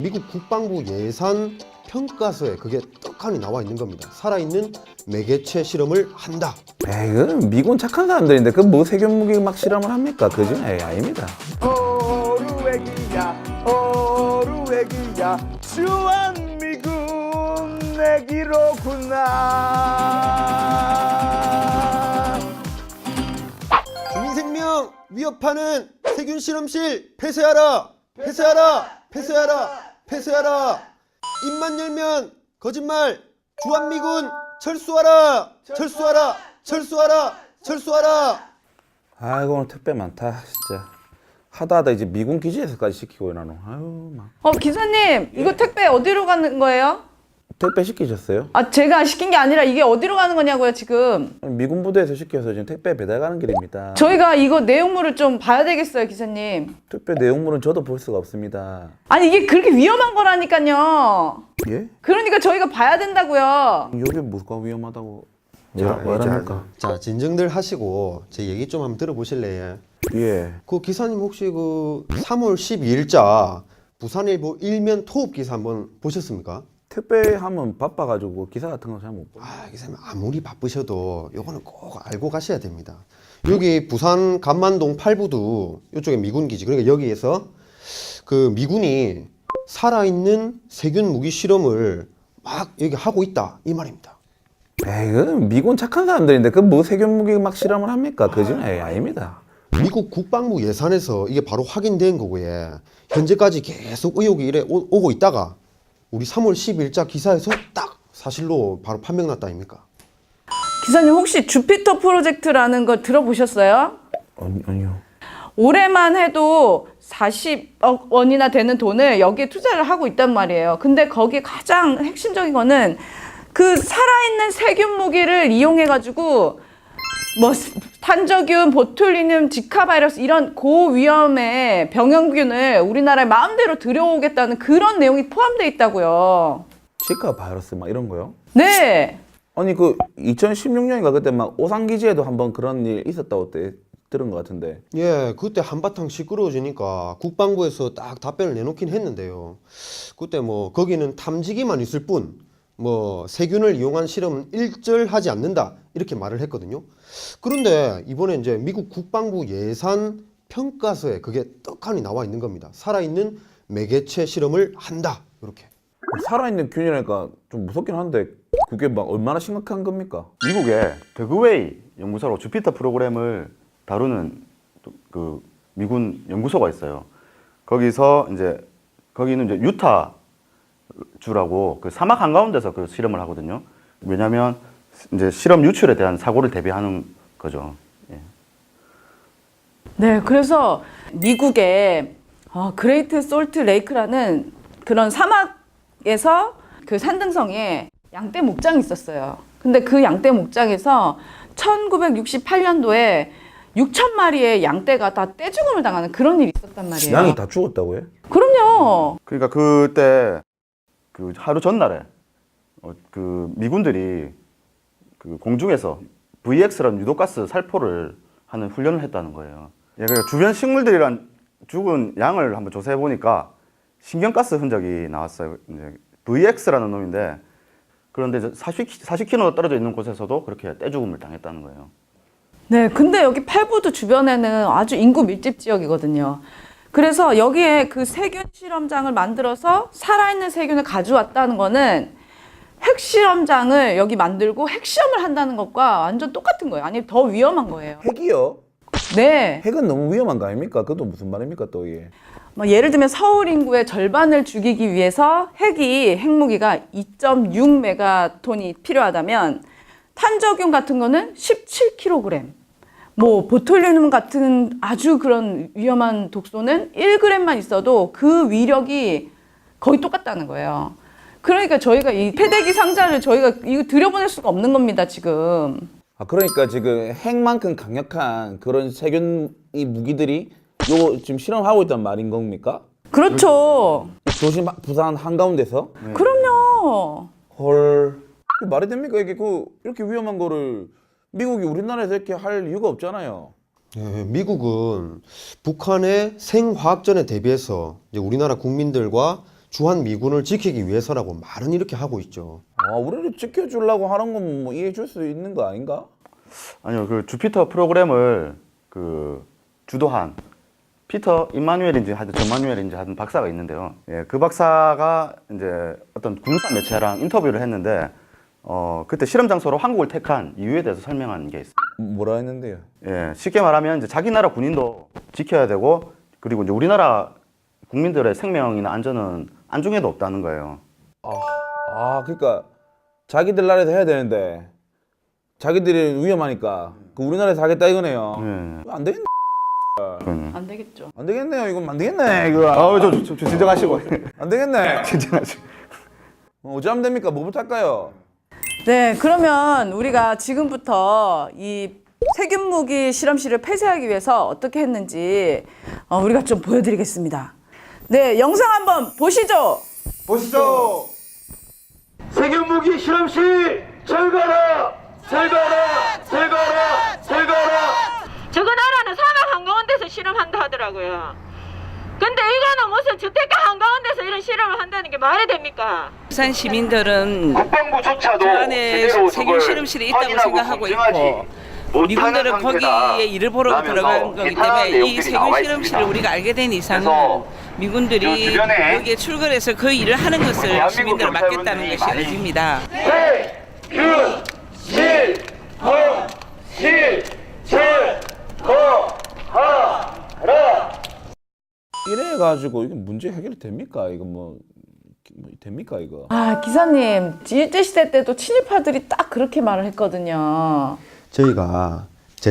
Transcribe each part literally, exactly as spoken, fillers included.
미국 국방부 예산 평가서에 그게 떡하니 나와 있는 겁니다. 살아있는 매개체 실험을 한다. 에이, 그 미군 착한 사람들인데 그 뭐 세균 무기 막 실험을 합니까? 그죠? 에이, 아닙니다. 호루애기야 호루애기야 주한미군 내기로구나. 주민 생명 위협하는 세균 실험실 폐쇄하라! 폐쇄하라! 폐쇄하라! 폐쇄하라! 입만 열면 거짓말! 주한미군 철수하라! 철수하라! 철수하라! 철수하라! 아이고 오늘 택배 많다 진짜. 하다 하다 이제 미군 기지에서까지 시키고 나는. 아유 막. 어, 기사님, 이거 택배 어디로 가는 거예요? 택배 시키셨어요? 아, 제가 시킨 게 아니라 이게 어디로 가는 거냐고요, 지금. 미군 부대에서 시켜서 지금 택배 배달 가는 길입니다. 저희가 이거 내용물을 좀 봐야 되겠어요, 기사님. 택배 내용물은 저도 볼 수가 없습니다. 아니, 이게 그렇게 위험한 거라니까요. 예? 그러니까 저희가 봐야 된다고요. 여기 뭐가 위험하다고 자, 뭐라, 뭐랍니까? 자, 자, 진정들 하시고 제 얘기 좀 한번 들어보실래요? 예. 그 기사님 혹시 그 삼월 십이일자 부산일보 일면 토업 기사 한번 보셨습니까? 택배 하면 바빠가지고 기사 같은 거 잘 못 봐. 아, 기사님 아무리 바쁘셔도 요거는 꼭 알고 가셔야 됩니다. 여기 부산 감만동 팔부두 이쪽에 미군 기지, 그러니까 여기에서 그 미군이 살아있는 세균 무기 실험을 막 여기 하고 있다 이 말입니다. 에이, 그 미군 착한 사람들인데 그 뭐 세균 무기 막 실험을 합니까? 그죠? 에이, 아닙니다. 미국 국방부 예산에서 이게 바로 확인된 거고요. 현재까지 계속 의혹이 이래 오, 오고 있다가 우리 삼월 십일자 기사에서 딱 사실로 바로 판명났다 아닙니까? 기사님, 혹시 주피터 프로젝트라는 거 들어보셨어요? 아니, 아니요. 올해만 해도 사십억 원이나 되는 돈을 여기에 투자를 하고 있단 말이에요. 근데 거기에 가장 핵심적인 거는 그 살아있는 세균 무기를 이용해가지고 뭐 탄저균, 보툴리눔, 지카 바이러스 이런 고위험의 병원균을 우리나라에 마음대로 들여오겠다는 그런 내용이 포함되어 있다고요. 치카 바이러스 막 이런 거요? 네. 아니 그 이천십육 년인가 그때 막 오산 기지에도 한번 그런 일 있었다고 때 들은 것 같은데. 예, 그때 한바탕 시끄러워지니까 국방부에서 딱 답변을 내놓긴 했는데요. 그때 뭐 거기는 탐지기만 있을 뿐 뭐 세균을 이용한 실험은 일절하지 않는다 이렇게 말을 했거든요. 그런데 이번에 이제 미국 국방부 예산 평가서에 그게 떡하니 나와 있는 겁니다. 살아있는 매개체 실험을 한다 이렇게. 살아있는 균이라니까 좀 무섭긴 한데 그게 막 얼마나 심각한 겁니까? 미국의 더그웨이 연구소로 주피터 프로그램을 다루는 그 미군 연구소가 있어요. 거기서 이제 거기는 이제 유타 주라고 그 사막 한가운데서 그 실험을 하거든요. 왜냐하면 이제 실험 유출에 대한 사고를 대비하는 거죠. 예. 네, 그래서 미국의 어, 그레이트 솔트 레이크라는 그런 사막에서 그 산등성에 양떼 목장이 있었어요. 근데 그 양떼 목장에서 천구백육십팔년도에 육천 마리의 양떼가 다 떼죽음을 당하는 그런 일이 있었단 말이에요. 양이 다 죽었다고요? 그럼요. 그러니까 그때 그 하루 전날에 어, 그 미군들이 그 공중에서 브이엑스라는 유독가스 살포를 하는 훈련을 했다는 거예요. 예, 그러니까 주변 식물들이란 죽은 양을 한번 조사해 보니까 신경가스 흔적이 나왔어요. 이제 브이엑스라는 놈인데 그런데 이제 사십, 사십 킬로미터 떨어져 있는 곳에서도 그렇게 떼죽음을 당했다는 거예요. 네, 근데 여기 팔부두 주변에는 아주 인구 밀집 지역이거든요. 그래서 여기에 그 세균 실험장을 만들어서 살아있는 세균을 가져왔다는 거는 핵실험장을 여기 만들고 핵시험을 한다는 것과 완전 똑같은 거예요. 아니, 더 위험한 거예요. 핵이요? 네. 핵은 너무 위험한 거 아닙니까? 그것도 무슨 말입니까 또 이게? 뭐 예를 들면 서울 인구의 절반을 죽이기 위해서 핵이, 핵무기가 이 점 육 메가톤이 필요하다면 탄저균 같은 거는 십칠 킬로그램. 뭐 보톨리눔 같은 아주 그런 위험한 독소는 일 그램만 있어도 그 위력이 거의 똑같다는 거예요. 그러니까 저희가 이 패대기 상자를 저희가 이거 들여보낼 수가 없는 겁니다, 지금. 아 그러니까 지금 핵만큼 강력한 그런 세균 이 무기들이 요거 지금 실험하고 있단 말인 겁니까? 그렇죠. 도시 마- 부산 한가운데서? 네. 그럼요. 헐. 그 말이 됩니까? 이게 그 이렇게 위험한 거를 미국이 우리나라에서 이렇게 할 이유가 없잖아요. 예, 미국은 북한의 생화학전에 대비해서 이제 우리나라 국민들과 주한 미군을 지키기 위해서라고 말은 이렇게 하고 있죠. 아, 우리를 지켜주려고 하는 건 뭐 이해해 줄 수 있는 거 아닌가? 아니요, 그 주피터 프로그램을 그 주도한 피터 임마누엘인지 하여튼 전마누엘인지 하여튼 박사가 있는데요. 예, 그 박사가 이제 어떤 군사 매체랑 인터뷰를 했는데 어, 그때 실험 장소로 한국을 택한 이유에 대해서 설명한 게 있어요. 뭐라 했는데요? 예, 쉽게 말하면 이제 자기 나라 군인도 지켜야 되고 그리고 이제 우리나라 국민들의 생명이나 안전은 안중에도 없다는 거예요. 아, 아, 그러니까 자기들 나라에서 해야 되는데 자기들이 위험하니까 그 우리나라에서 하겠다 이거네요. 예. 안 되겠네. 그거는. 안 되겠죠. 안 되겠네요. 이건 안 되겠네. 이거 아, 좀, 좀, 좀 진정하시고. 안 되겠네. 진정하시고. 어, 어찌 하면 됩니까? 뭐부터 할까요? 네, 그러면 우리가 지금부터 이 세균 무기 실험실을 폐쇄하기 위해서 어떻게 했는지 어, 우리가 좀 보여드리겠습니다. 네, 영상 한번 보시죠. 보시죠. 세균 무기 실험실 철거라! 철거라! 철거라! 철거라! 저거 나라는 사막 한가운데서 실험한다 하더라고요. 근데 이거는 무슨 주택가 한가운데서 이런 실험을 한다는 게 말이 됩니까? 부산 시민들은 국방부조차도 그 안에 제대로 세균 그걸 실험실이 있다고 확인하고 생각하고 검증하지 있고 못하는 미군들은 상태다 거기에 일을 보러 라면서 들어간 거기 비판하는 때문에 이 내용들이 세균 나와 실험실을 있습니다. 우리가 알게 된 이상은 그래서 미군들이 요 주변에 여기에 출근해서 그 일을 하는 것을 대한민국 시민들을 맡겠다는 경찰분들이 것이 많이 의지입니다. 세균 실험실 철거하라! 이래가지고 이게 문제 해결이 됩니까? 이거 뭐, 뭐 됩니까 이거? 아, 기사님, 일제시대 때도 친일파들이 딱 그렇게 말을 했거든요. 저희가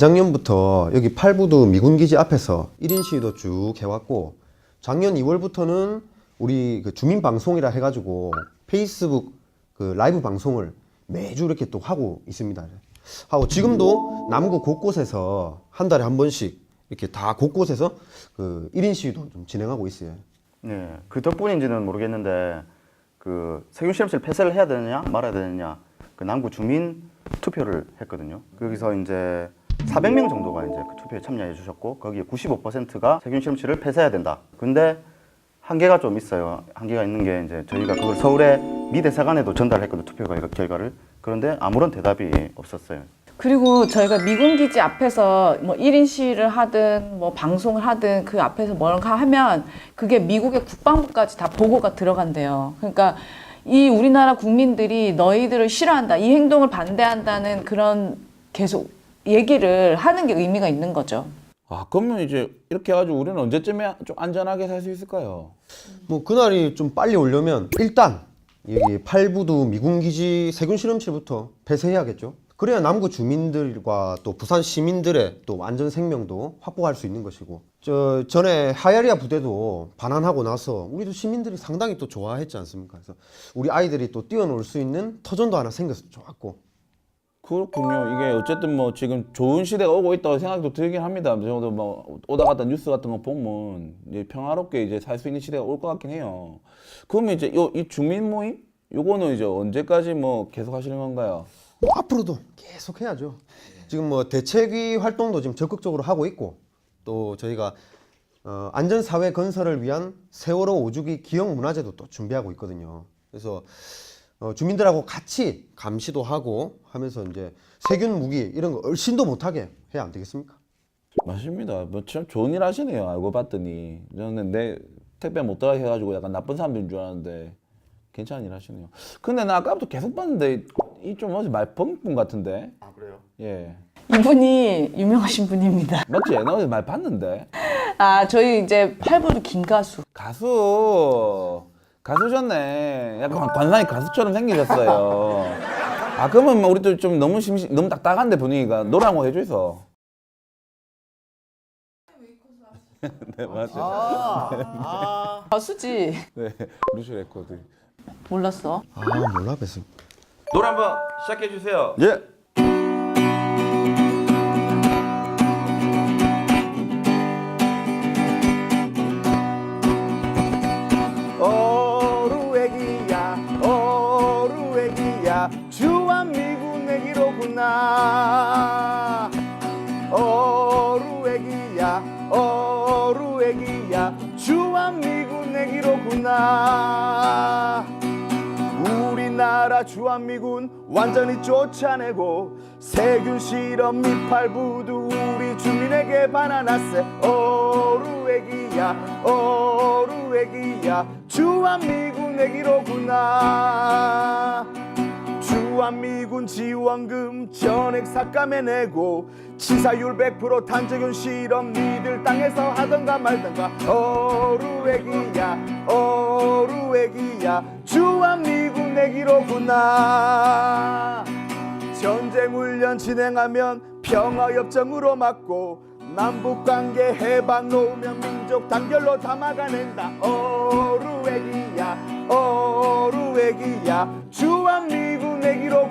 재작년부터 여기 팔부두 미군기지 앞에서 일 인 시위도 쭉 해왔고 작년 이월부터는 우리 그 주민방송이라 해가지고 페이스북 그 라이브 방송을 매주 이렇게 또 하고 있습니다. 하고 지금도 남구 곳곳에서 한 달에 한 번씩 이렇게 다 곳곳에서 그 일 인 시위도 좀 진행하고 있어요. 네, 그 덕분인지는 모르겠는데 그 세균 실험실 폐쇄를 해야 되느냐 말아야 되느냐 그 남구 주민 투표를 했거든요. 거기서 이제 사백 명 정도가 이제 그 투표에 참여해 주셨고 거기에 구십오 퍼센트가 세균 실험실을 폐쇄해야 된다. 근데 한계가 좀 있어요. 한계가 있는 게 이제 저희가 그걸 서울의 미 대사관에도 전달했거든요. 투표 결과를. 그런데 아무런 대답이 없었어요. 그리고 저희가 미군 기지 앞에서 뭐 일 인 시위를 하든 뭐 방송을 하든 그 앞에서 뭔가 하면 그게 미국의 국방부까지 다 보고가 들어간대요. 그러니까 이 우리나라 국민들이 너희들을 싫어한다, 이 행동을 반대한다는 그런 계속 얘기를 하는 게 의미가 있는 거죠. 아, 그러면 이제 이렇게 해가지고 우리는 언제쯤에 좀 안전하게 살 수 있을까요? 뭐 그날이 좀 빨리 오려면 일단 여기 팔부두 미군기지 세균 실험실부터 폐쇄해야겠죠. 그래야 남구 주민들과 또 부산 시민들의 또 안전 생명도 확보할 수 있는 것이고, 저 전에 하야리아 부대도 반환하고 나서 우리도 시민들이 상당히 또 좋아했지 않습니까? 그래서 우리 아이들이 또 뛰어놀 수 있는 터전도 하나 생겨서 좋았고. 그렇군요. 이게 어쨌든 뭐 지금 좋은 시대가 오고 있다고 생각도 들긴 합니다. 저도 뭐 오다 갔다 뉴스 같은 거 보면 이제 평화롭게 이제 살 수 있는 시대가 올 것 같긴 해요. 그러면 이제 요, 이 주민 모임 요거는 이제 언제까지 뭐 계속 하시는 건가요? 뭐 앞으로도 계속 해야죠. 지금 뭐 대책위 활동도 지금 적극적으로 하고 있고, 또 저희가 어, 안전사회 건설을 위한 세월호 오주기 기억문화제도 또 준비하고 있거든요. 그래서 어, 주민들하고 같이 감시도 하고 하면서 이제 세균 무기 이런 거 얼씬도 못하게 해야 안 되겠습니까? 맞습니다. 뭐 참 좋은 일 하시네요. 알고 봤더니 저는 내 택배 못 들어가게 해가지고 약간 나쁜 사람들인 줄 알았는데 괜찮은 일 하시네요. 근데 나 아까부터 계속 봤는데 이 좀 어디 말펑분 같은데? 아 그래요? 예. 이분이 유명하신 분입니다. 맞지? 나 어디 말 봤는데? 아, 저희 이제 팔부두 김가수. 가수 가수셨네. 약간 관상이 가수처럼 생기셨어요. 아 그러면 뭐 우리도 좀 너무 심심 너무 딱딱한데 분위기가 노래 한 곡 해줘서. 네 맞죠. 가수지. 네 루시 레코드. 몰랐어. 아 몰라 뵀어. 노래 한번 시작해 주세요. 예. 어루애기야 어루애기야 주한미군 애기로구나 어루애기야 어루애기야 주한미군 애기로구나 해가 주한미군 완전히 쫓아내고 세균 실험 미팔부두 우리 주민에게 반환하세. 어루애기야 어루애기야 주한미군 애기로구나. 주한미군 지원금 전액 삭감해내고 치사율 백 퍼센트 탄저균 실험 니들 땅에서 하던가 말던가. 어루애기야 어루애기야 주한미군 애기로구나. 전쟁 훈련 진행하면 평화협정으로 막고 남북관계 해방 놓으면 민족 단결로 다 막아낸다. 어루애기야 어루애기야 주한미군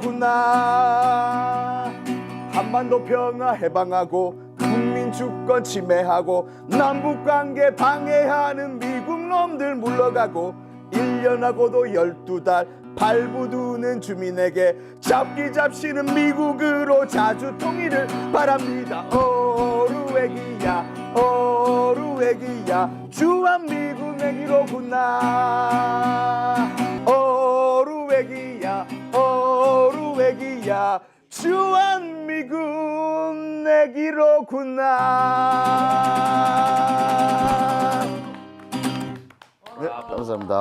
애기로구나. 한반도 평화 해방하고 국민 주권 침해하고 남북관계 방해하는 미국 놈들 물러가고 일 년하고도 열두 달 발부두는 주민에게 잡기 잡시는 미국으로 자주 통일을 바랍니다. 어루애기야 어루애기야 주한미군 애기로구나. 어루애기야 어루애기야 주한미군 애기로구나. 네, 감사합니다.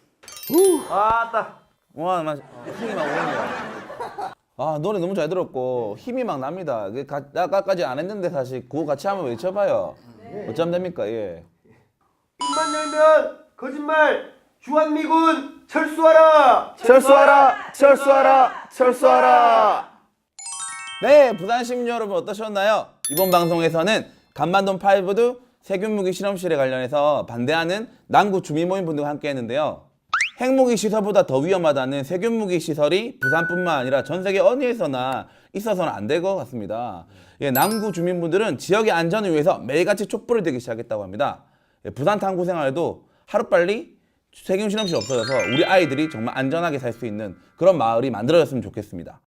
와, 막 힘이 막 오네요. 아, 노래 너무 잘 들었고 힘이 막 납니다. 그 가- 아까까지 안 했는데 사실 그거 같이 한번 외쳐봐요. 어쩌면 됩니까? 예. 입만 열면 거짓말. 주한미군 철수하라. 철수하라 철수하라 철수하라. 네, 부산 시민 여러분 어떠셨나요? 이번 방송에서는 간만동 파이브두 세균무기 실험실에 관련해서 반대하는 남구 주민모임 분들과 함께 했는데요. 핵무기 시설보다 더 위험하다는 세균무기 시설이 부산뿐만 아니라 전 세계 어디에서나 있어서는 안 될 것 같습니다. 예, 남구 주민분들은 지역의 안전을 위해서 매일같이 촛불을 들기 시작했다고 합니다. 예, 부산 탐구 생활에도 하루빨리 세균 실험실이 없어져서 우리 아이들이 정말 안전하게 살 수 있는 그런 마을이 만들어졌으면 좋겠습니다.